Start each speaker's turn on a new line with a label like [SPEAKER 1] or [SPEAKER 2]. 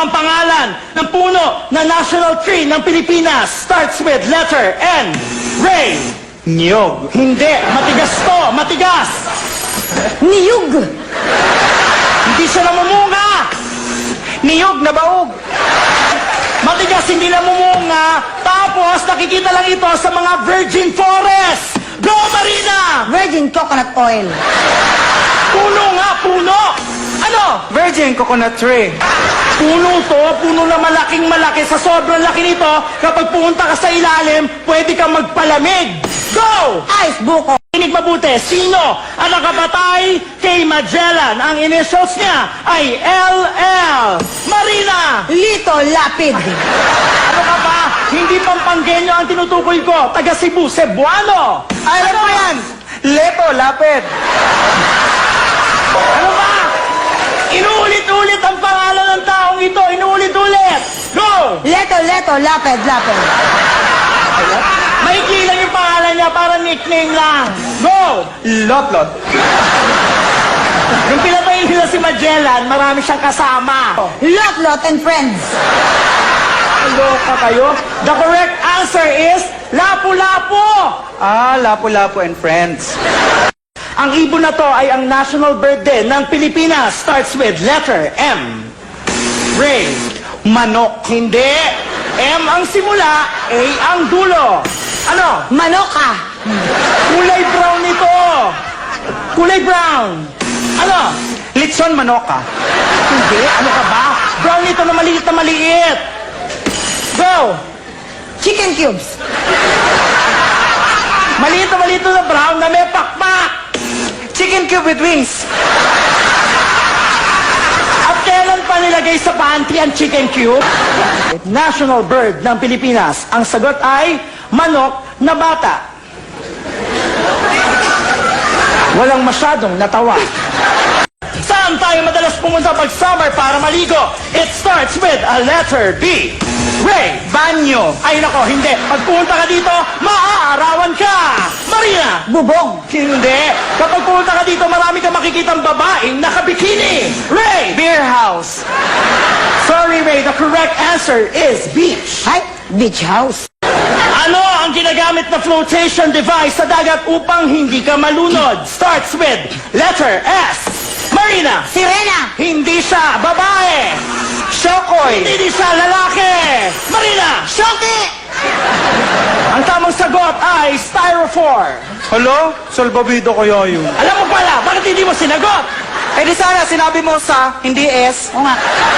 [SPEAKER 1] ang pangalan ng puno na national tree ng Pilipinas? Starts with letter N. Ray.
[SPEAKER 2] Niyog.
[SPEAKER 1] Hindi. Matigas to. Matigas.
[SPEAKER 3] Niyug.
[SPEAKER 1] Hindi siya namumunga.
[SPEAKER 2] Niyog na baog.
[SPEAKER 1] Matigas, hindi namumunga. Tapos, nakikita lang ito sa mga virgin forest. Go, Marina!
[SPEAKER 3] Virgin coconut oil.
[SPEAKER 1] Puno nga, puno! Ano?
[SPEAKER 2] Virgin coconut tree.
[SPEAKER 1] Puno to, puno na malaking malaki. Sa sobrang laki nito, kapag pumunta ka sa ilalim, pwede kang magpalamig. Go!
[SPEAKER 3] Ice buko.
[SPEAKER 1] Kinig mabuti, sino ang nakapatay kay Magellan? Ang initials niya ay LL. Marina!
[SPEAKER 3] Lito lapid.
[SPEAKER 1] Ano ka ba? Hindi Pampanggenyo ang tinutukoy ko. Taga Cebu, Cebuano.
[SPEAKER 2] Alam mo yan. Leto, lapid.
[SPEAKER 1] Ano ba? Inuulit-ulit ang pangalan ng taong ito. Inuulit-ulit. Go!
[SPEAKER 3] Leto, lapid, lapid.
[SPEAKER 1] Maikli lang yung pangalan niya para nickname lang. Go!
[SPEAKER 2] Lot-lot.
[SPEAKER 1] Nung pinatay nila si Magellan, marami siyang kasama.
[SPEAKER 3] Lot and friends.
[SPEAKER 1] Loka kayo? The correct answer is Lapu-Lapu.
[SPEAKER 2] Ah, Lapu-Lapu and friends.
[SPEAKER 1] Ang ibon na to ay ang national bird din ng Pilipinas. Starts with letter M. Ray.
[SPEAKER 2] Manok.
[SPEAKER 1] Hindi. M ang simula, A ang dulo. Ano?
[SPEAKER 3] Manoka.
[SPEAKER 1] Kulay brown nito. Kulay brown. Ano?
[SPEAKER 2] Litson manoka.
[SPEAKER 1] Hindi. Ano ka ba? Brown nito na maliit na maliit. Go!
[SPEAKER 3] Chicken cubes.
[SPEAKER 1] Maliit na brown na may pakpak.
[SPEAKER 2] Chicken cube with wings.
[SPEAKER 1] At kailan pa nilagay sa pantry ang chicken cube? National bird ng Pilipinas. Ang sagot ay manok na bata. Walang masyadong natawa. Saan tayo madalas pumunta pag summer para maligo? It starts with a letter B. Ray.
[SPEAKER 2] Banyo.
[SPEAKER 1] Ay nako, hindi. Pag pumunta ka dito, maaarawan ka. Marina.
[SPEAKER 3] Bubong.
[SPEAKER 1] Hindi. Kapag pumunta ka dito, marami kang makikitang babaeng nakabikini. Ray.
[SPEAKER 2] Beer house.
[SPEAKER 1] Sorry, Ray. The correct answer is beach.
[SPEAKER 3] Ay, beach house.
[SPEAKER 1] Ano ang ginagamit na flotation device sa dagat upang hindi ka malunod? Starts with letter S. Marina.
[SPEAKER 3] Sirena.
[SPEAKER 1] Hindi siya babae.
[SPEAKER 2] Shokoy.
[SPEAKER 1] Hindi siya lalaki. Marina.
[SPEAKER 3] Shoki.
[SPEAKER 1] Ang tamang sagot ay styrofoam.
[SPEAKER 2] Hello? Salbabido kaya yun.
[SPEAKER 1] Alam mo pala, bakit hindi mo sinagot?
[SPEAKER 2] Eh di sana sinabi mo sa, hindi S.
[SPEAKER 3] O nga.